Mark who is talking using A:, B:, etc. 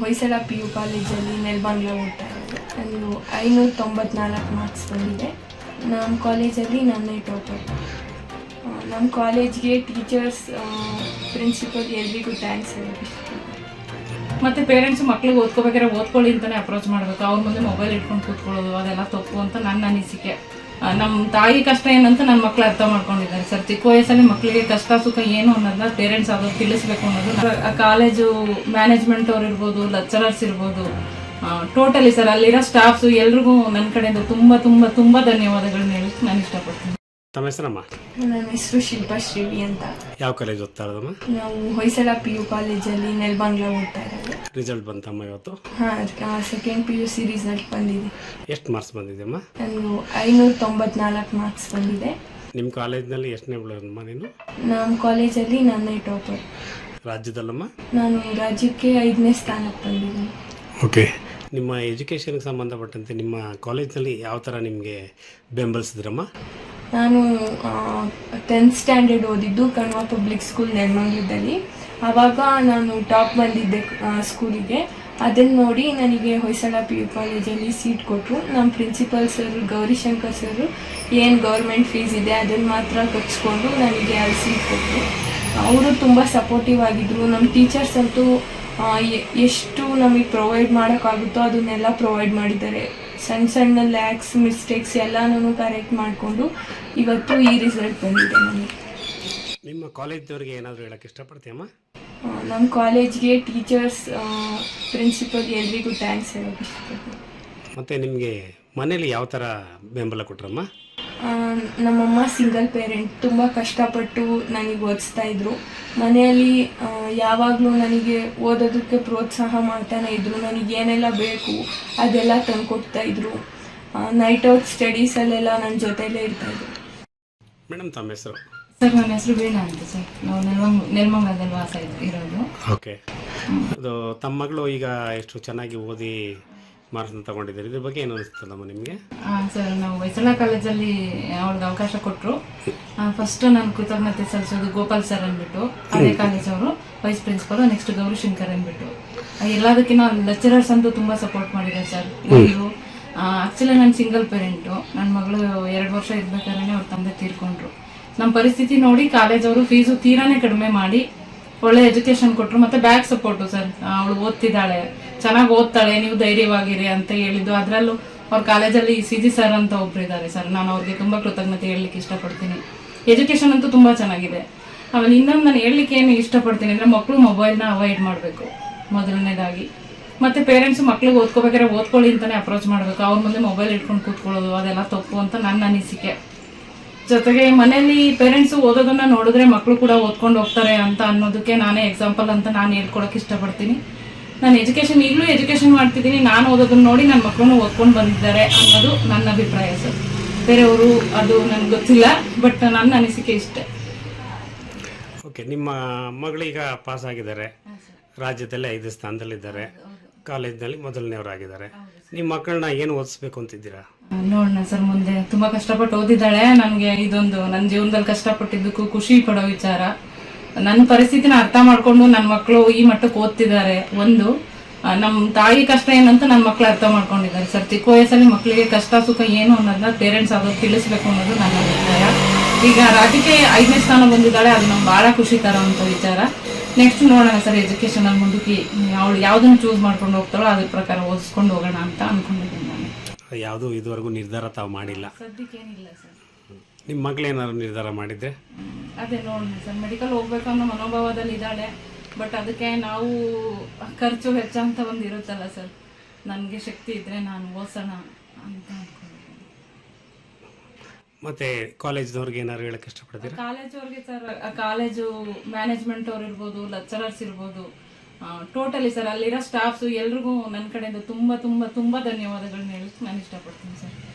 A: Hoysala PU ಕಾಲೇಜಲ್ಲಿ ನೆಲಬಾಂಗ್ಲ ಓದ್ತಾ ಇರೋದು. ನನಗೆ 594 ಮಾರ್ಕ್ಸ್ ಬಂದಿದೆ. ನಮ್ಮ ಕಾಲೇಜಲ್ಲಿ ನಾನೇ ಟಾಪರ್. ನಮ್ಮ ಕಾಲೇಜ್ಗೆ ಟೀಚರ್ಸ್, ಪ್ರಿನ್ಸಿಪಲ್ ಎಲ್ರಿಗೂ ಥ್ಯಾಂಕ್ಸ್ ಹೇಳೋದು.
B: ಮತ್ತು ಪೇರೆಂಟ್ಸ್ ಮಕ್ಳಿಗೆ ಓದ್ಕೋಬೇಕಾದ್ರೆ ಓದ್ಕೊಳ್ಳಿ ಅಂತಲೇ ಅಪ್ರೋಚ್ ಮಾಡಬೇಕು. ಅವ್ರ ಮುಂದೆ ಮೊಬೈಲ್ ಇಟ್ಕೊಂಡು ಕೂತ್ಕೊಳ್ಳೋದು ಅದೆಲ್ಲ ತಪ್ಪು ಅಂತ ನನ್ನ ಅನಿಸಿಕೆ. ನಮ್ಮ ತಾಯಿ ಕಷ್ಟ ಏನಂತ ನನ್ನ ಮಕ್ಳು ಅರ್ಥ ಮಾಡ್ಕೊಂಡಿದ್ದಾರೆ ಸರ್. ಚಿಕ್ಕ ವಯಸ್ಸಲ್ಲಿ ಮಕ್ಕಳಿಗೆ ಕಷ್ಟ ಸುಖ ಏನು ಅನ್ನೋದನ್ನ ಪೇರೆಂಟ್ಸ್ ಆಗೋದು ತಿಳಿಸ್ಬೇಕು ಅನ್ನೋದು. ಕಾಲೇಜು ಮ್ಯಾನೇಜ್ಮೆಂಟ್ ಅವ್ರು ಇರ್ಬೋದು, ಲೆಕ್ಚರರ್ಸ್ ಇರ್ಬೋದು, ಟೋಟಲಿ ಸರ್ ಅಲ್ಲಿರೋ ಸ್ಟಾಫ್ಸು ಎಲ್ರಿಗೂ ನನ್ನ ಕಡೆಯಿಂದ ತುಂಬ ತುಂಬ ತುಂಬ ಧನ್ಯವಾದಗಳನ್ನ ಹೇಳಕ್ಕೆ ನಾನು ಇಷ್ಟಪಡ್ತೀನಿ.
C: ತಮ್ಮ ಹೆಸರಮ್ಮ?
A: ನನ್ನ ಹೆಸರು ಶಿಲ್ಪಾ ಶ್ರೀವಿ ಅಂತ.
C: ಯಾವ ಕಾಲೇಜ್ ಓದ್ತಾ ಇರೋದಮ್ಮ?
A: ನಾವು ಹೊಯ್ಸಳ PU ಕಾಲೇಜಲ್ಲಿ ನೆಲಬಾಂಗ್ಲ ಓದ್ತಾ ಇರೋದು.
C: ರಿಸಲ್ಟ್ ಬಂತಮ್ಮ ಇವತ್ತು?
A: ಹಾಂ, ಸೆಕೆಂಡ್ PUC ರಿಸಲ್ಟ್ ಬಂದಿದೆ.
C: ಎಷ್ಟು ಮಾರ್ಕ್ಸ್ ಬಂದಿದೆಯಮ್ಮ?
A: ನನಗೆ 594 ಮಾರ್ಕ್ಸ್ ಬಂದಿದೆ.
C: ನಿಮ್ಮ ಕಾಲೇಜ್ನಲ್ಲಿ ಎಷ್ಟನೇ ಬಿಡೋದಮ್ಮ ನೀನು?
A: ನಮ್ಮ ಕಾಲೇಜಲ್ಲಿ ನಾನೇ ಟಾಪರ್.
C: ರಾಜ್ಯದಲ್ಲಮ್ಮ?
A: ನಾನು ರಾಜ್ಯಕ್ಕೆ 5ನೇ ಸ್ಥಾನಕ್ಕೆ ಬಂದಿದ್ದೀನಿ.
C: ಓಕೆ. ನಿಮ್ಮ ಎಜುಕೇಷನ್ಗೆ ಸಂಬಂಧಪಟ್ಟಂತೆ ನಿಮ್ಮ ಕಾಲೇಜ್ನಲ್ಲಿ ಯಾವ ಥರ ನಿಮಗೆ ಬೆಂಬಲಿಸಿದ್ರಮ್ಮ?
A: ನಾನು 10th ಸ್ಟ್ಯಾಂಡರ್ಡ್ ಓದಿದ್ದು ಕಣ್ವ ಪಬ್ಲಿಕ್ ಸ್ಕೂಲ್ ನೆಲಮಂಗಲದಲ್ಲಿ. ಆವಾಗ ನಾನು ಟಾಪ್ ಬಂದಿದ್ದೆ ಸ್ಕೂಲಿಗೆ. ಅದನ್ನು ನೋಡಿ ನನಗೆ ಹೊಯ್ಸಳ PU ಕಾಲೇಜಲ್ಲಿ ಸೀಟ್ ಕೊಟ್ಟರು. ನಮ್ಮ ಪ್ರಿನ್ಸಿಪಲ್ ಸರ್ ಗೌರಿಶಂಕರ್ ಸರ್ ಏನು ಗೌರ್ಮೆಂಟ್ ಫೀಸ್ ಇದೆ ಅದನ್ನು ಮಾತ್ರ ಕಟ್ಸ್ಕೊಂಡು ನನಗೆ ಅಲ್ಲಿ ಸೀಟ್ ಕೊಟ್ಟರು. ಅವರು ತುಂಬ ಸಪೋರ್ಟಿವ್ ಆಗಿದ್ದರು. ನಮ್ಮ ಟೀಚರ್ಸ್ ಅಂತೂ ಎಷ್ಟು ನಮಗೆ ಪ್ರೊವೈಡ್ ಮಾಡೋಕ್ಕಾಗುತ್ತೋ ಅದನ್ನೆಲ್ಲ ಪ್ರೊವೈಡ್ ಮಾಡಿದ್ದಾರೆ. ಸಣ್ಣ ಸಣ್ಣ ಲ್ಯಾಕ್ಸ್ ಮಿಸ್ಟೇಕ್ಸ್ ಎಲ್ಲನೂ ಕರೆಕ್ಟ್ ಮಾಡಿಕೊಂಡು ಇವತ್ತು ಈ ರಿಸಲ್ಟ್ ಬಂದಿದೆ ನನಗೆ.
C: ನಿಮ್ಮ ಕಾಲೇಜ್ದವ್ರಿಗೆ ಏನಾದರೂ ಹೇಳೋಕ್ಕೆ ಇಷ್ಟಪಡ್ತೀಯಮ್ಮ?
A: ನಮ್ಮ ಕಾಲೇಜ್ಗೆ ಟೀಚರ್ಸ್, ಪ್ರಿನ್ಸಿಪಲ್ ಎಲ್ರಿಗೂ ಥ್ಯಾಂಕ್ಸ್ ಹೇಳೋಕ್ಕೆ ಇಷ್ಟಪಡ್ತೀನಿ.
C: ಮತ್ತು ನಿಮಗೆ ಮನೇಲಿ ಯಾವ ಥರ ಬೆಂಬಲ ಕೊಟ್ರಮ್ಮ?
A: ನಮ್ಮಮ್ಮ ಸಿಂಗಲ್ ಪೇರೆಂಟ್. ತುಂಬ ಕಷ್ಟಪಟ್ಟು ನನಗೆ ಓದಿಸ್ತಾ ಇದ್ರು. ಮನೆಯಲ್ಲಿ ಯಾವಾಗಲೂ ನನಗೆ ಓದೋದಕ್ಕೆ ಪ್ರೋತ್ಸಾಹ ಮಾಡ್ತಾನೆ ಇದ್ದರು. ನನಗೇನೆಲ್ಲ ಬೇಕು ಅದೆಲ್ಲ ತಂದುಕೊಡ್ತಾಯಿದ್ರು. ನೈಟ್ ಔಟ್ ಸ್ಟಡೀಸಲ್ಲೆಲ್ಲ ನನ್ನ ಜೊತೆಲೇ ಇರ್ತಾಯಿದ್ರು.
C: ಮೇಡಮ್ ತಮ್ಮ ಹೆಸರು?
B: ಸರ್ ನನ್ನ ಹೆಸರು ವೀಣಾ ಅಂತ ಸರ್. ನಾವು ನೆಲಮಂಗಲದಲ್ಲಿ ವಾಸ ಇರೋದು.
C: ಓಕೆ. ಅದು ತಮ್ಮ ಮಗಳು ಈಗ ಎಷ್ಟು ಚೆನ್ನಾಗಿ ಓದಿ ಮಾರ್ಕ್ಸ್ನ ತಗೊಂಡಿದ್ದಾರೆ, ಇದ್ರ ಬಗ್ಗೆ ಏನು ಅನಿಸ್ತದಮ್ಮ ನಿಮಗೆ?
B: ಸರ್ ನಾವು ಹೊಯ್ಸಳ ಕಾಲೇಜಲ್ಲಿ ಅವ್ಳಿಗೆ ಅವಕಾಶ ಕೊಟ್ಟರು. ಫಸ್ಟ್ ನಾನು ಕೃತಜ್ಞತೆ ಸಲ್ಲಿಸೋದು ಗೋಪಾಲ್ ಸರ್ ಅಂದ್ಬಿಟ್ಟು, ಅದೇ ಕಾಲೇಜವರು ವೈಸ್ ಪ್ರಿನ್ಸಿಪಲ್. ನೆಕ್ಸ್ಟ್ ಗೌರಿಶಂಕರ್ ಅಂದ್ಬಿಟ್ಟು. ಎಲ್ಲದಕ್ಕಿಂತ ಲೆಕ್ಚರರ್ಸ್ ಅಂತೂ ತುಂಬ ಸಪೋರ್ಟ್ ಮಾಡಿದ್ದಾರೆ ಸರ್. ಒಂದು ಆ್ಯಕ್ಚುಲಿ ನಾನು ಸಿಂಗಲ್ ಪೇರೆಂಟು. ನನ್ನ ಮಗಳು 2 ವರ್ಷ ಇರ್ಬೇಕಾದ್ರೆ ಅವ್ರ ತಂದೆ ತೀರ್ಕೊಂಡ್ರು. ನಮ್ಮ ಪರಿಸ್ಥಿತಿ ನೋಡಿ ಕಾಲೇಜವರು ಫೀಸು ತೀರಾನೇ ಕಡಿಮೆ ಮಾಡಿ ಒಳ್ಳೆ ಎಜುಕೇಶನ್ ಕೊಟ್ಟರು. ಮತ್ತು ಬ್ಯಾಕ್ ಸಪೋರ್ಟು ಸರ್. ಅವಳು ಓದ್ತಿದ್ದಾಳೆ, ಚೆನ್ನಾಗಿ ಓದ್ತಾಳೆ, ನೀವು ಧೈರ್ಯವಾಗಿರಿ ಅಂತ ಹೇಳಿದ್ದು. ಅದರಲ್ಲೂ ಅವ್ರ ಕಾಲೇಜಲ್ಲಿ CG ಸರ್ ಅಂತ ಒಬ್ರು ಇದ್ದಾರೆ ಸರ್. ನಾನು ಅವ್ರಿಗೆ ತುಂಬ ಕೃತಜ್ಞತೆ ಹೇಳಲಿಕ್ಕೆ ಇಷ್ಟಪಡ್ತೀನಿ. ಎಜುಕೇಷನ್ ಅಂತೂ ತುಂಬ ಚೆನ್ನಾಗಿದೆ. ಆಮೇಲೆ ಇನ್ನೊಂದು ನಾನು ಹೇಳಲಿಕ್ಕೆ ಏನು ಇಷ್ಟಪಡ್ತೀನಿ ಅಂದರೆ, ಮಕ್ಕಳು ಮೊಬೈಲ್ನ ಅವಾಯ್ಡ್ ಮಾಡಬೇಕು ಮೊದಲನೇದಾಗಿ. ಮತ್ತು ಪೇರೆಂಟ್ಸ್ ಮಕ್ಳಿಗೆ ಓದ್ಕೋಬೇಕಾದ್ರೆ ಓದ್ಕೊಳ್ಳಿ ಅಂತಲೇ ಅಪ್ರೋಚ್ ಮಾಡಬೇಕು. ಅವ್ರ ಮುಂದೆ ಮೊಬೈಲ್ ಇಟ್ಕೊಂಡು ಕೂತ್ಕೊಳ್ಳೋದು ಅದೆಲ್ಲ ತಪ್ಪು ಅಂತ ನನ್ನ ಅನಿಸಿಕೆ. ಜೊತೆಗೆ ಮನೆಯಲ್ಲಿ ಪೇರೆಂಟ್ಸು ಓದೋದನ್ನು ನೋಡಿದ್ರೆ ಮಕ್ಕಳು ಕೂಡ ಓದ್ಕೊಂಡು ಹೋಗ್ತಾರೆ ಅಂತ ಅನ್ನೋದಕ್ಕೆ ನಾನೇ ಎಕ್ಸಾಂಪಲ್ ಅಂತ ನಾನು ಹೇಳ್ಕೊಳಕ್ಕೆ ಇಷ್ಟಪಡ್ತೀನಿ. ನಾನು ಈಗಲೂ ಎಜುಕೇಷನ್ ಮಾಡ್ತಿದ್ದೀನಿ. ನಾನು ಓದೋದನ್ನು ನೋಡಿ ನನ್ನ ಮಕ್ಕಳನ್ನು ಓದ್ಕೊಂಡು ಬಂದಿದ್ದಾರೆ ಅನ್ನೋದು ನನ್ನ ಅಭಿಪ್ರಾಯ ಸರ್. ಬೇರೆಯವರು ಅದು ನನಗೆ ಗೊತ್ತಿಲ್ಲ, ಬಟ್ ನನ್ನ ಅನಿಸಿಕೆ ಇಷ್ಟೇ.
C: ಓಕೆ. ನಿಮ್ಮ ಮಗಳೀಗ ಪಾಸ್ ಆಗಿದ್ದಾರೆ, ರಾಜ್ಯದಲ್ಲೇ 5 ಸ್ಥಾನದಲ್ಲಿದ್ದಾರೆ, ಕಾಲೇಜ್ನಲ್ಲಿ ಮೊದಲನೇವರಾಗಿದ್ದಾರೆ. ನಿಮ್ಮ ಮಕ್ಕಳನ್ನ ಏನು ಓದಿಸ್ಬೇಕು ಅಂತಿದ್ದೀರಾ?
B: ನೋಡೋಣ ಸರ್, ಮುಂದೆ ತುಂಬ ಕಷ್ಟಪಟ್ಟು ಓದಿದ್ದಾಳೆ. ನನಗೆ ಇದೊಂದು ನನ್ನ ಜೀವನದಲ್ಲಿ ಕಷ್ಟಪಟ್ಟಿದ್ದಕ್ಕೂ ಖುಷಿ ಪಡೋ ವಿಚಾರ. ನನ್ನ ಪರಿಸ್ಥಿತಿನ ಅರ್ಥ ಮಾಡಿಕೊಂಡು ನನ್ನ ಮಕ್ಕಳು ಈ ಮಟ್ಟಕ್ಕೆ ಓದ್ತಿದ್ದಾರೆ. ಒಂದು ನಮ್ಮ ತಾಯಿ ಕಷ್ಟ ಏನಂತ ನನ್ನ ಮಕ್ಕಳು ಅರ್ಥ ಮಾಡ್ಕೊಂಡಿದ್ದಾರೆ ಸರ್. ಚಿಕ್ಕ ವಯಸ್ಸಲ್ಲಿ ಮಕ್ಕಳಿಗೆ ಕಷ್ಟ ಸುಖ ಏನು ಅನ್ನೋದನ್ನ ಪೇರೆಂಟ್ಸ್ ಆಗೋದು ತಿಳಿಸ್ಬೇಕು ಅನ್ನೋದು ನನ್ನ ಅಭಿಪ್ರಾಯ. ಈಗ ರಾಜ್ಯಕ್ಕೆ 5ನೇ ಸ್ಥಾನ ಬಂದಿದ್ದಾಳೆ, ಅದು ನಮ್ಗೆ ಭಾಳ ಖುಷಿ ತರೋವಂಥ ವಿಚಾರ. ನೆಕ್ಸ್ಟ್ ನೋಡೋಣ ಸರ್, ಎಜುಕೇಷನಲ್ಲಿ ಮುಂದಕ್ಕೆ ಅವಳು ಯಾವುದನ್ನು ಚೂಸ್ ಮಾಡ್ಕೊಂಡು ಹೋಗ್ತಾಳೋ ಅದ್ರ ಪ್ರಕಾರ ಓದಿಸ್ಕೊಂಡು ಹೋಗೋಣ ಅಂತ ಅಂದ್ಕೊಂಡಿದ್ದೀನಿ ನಾನು.
C: ಯಾವುದೂ ಇದುವರೆಗೂ ನಿರ್ಧಾರ ತಾವು ಮಾಡಿಲ್ಲ?
B: ಸದ್ಯಕ್ಕೇನಿಲ್ಲ ಸರ್.
C: ನಿಮ್ಮ ಮಗಳೇನಾದ್ರು ನಿರ್ಧಾರ ಮಾಡಿದ್ದೆ?
B: ಅದೇ ನೋಡೋಣ ಸರ್, ಮೆಡಿಕಲ್ ಹೋಗ್ಬೇಕು ಅನ್ನೋ ಮನೋಭಾವದಲ್ಲಿ ಇದ್ದಾಳೆ. ಬಟ್ ಅದಕ್ಕೆ ನಾವು ಖರ್ಚು ವೆಚ್ಚ ಅಂತ ಒಂದು ಇರುತ್ತಲ್ಲ ಸರ್, ನನಗೆ ಶಕ್ತಿ ಇದ್ದರೆ ನಾನು ಓದಿಸೋಣ ಅಂತ ಅಂದ್ಕೊಂಡಿದ್ದೀನಿ.
C: ಮತ್ತೆ ಕಾಲೇಜ್ದವ್ರಿಗೆ ಏನಾದ್ರು ಹೇಳಕ್ಕೆ ಇಷ್ಟಪಡ್ತೀರಾ?
B: ಕಾಲೇಜವ್ರಿಗೆ ಸರ್, ಕಾಲೇಜು ಮ್ಯಾನೇಜ್ಮೆಂಟ್ ಅವ್ರು ಇರ್ಬೋದು, ಲೆಕ್ಚರರ್ಸ್ ಇರ್ಬೋದು, ಟೋಟಲಿ ಸರ್ ಅಲ್ಲಿರೋ ಸ್ಟಾಫ್ಸು ಎಲ್ರಿಗೂ ನನ್ನ ಕಡೆಯಿಂದ ತುಂಬ ತುಂಬ ತುಂಬ ಧನ್ಯವಾದಗಳನ್ನ ಹೇಳಕ್ಕೆ ನಾನು ಇಷ್ಟಪಡ್ತೀನಿ ಸರ್.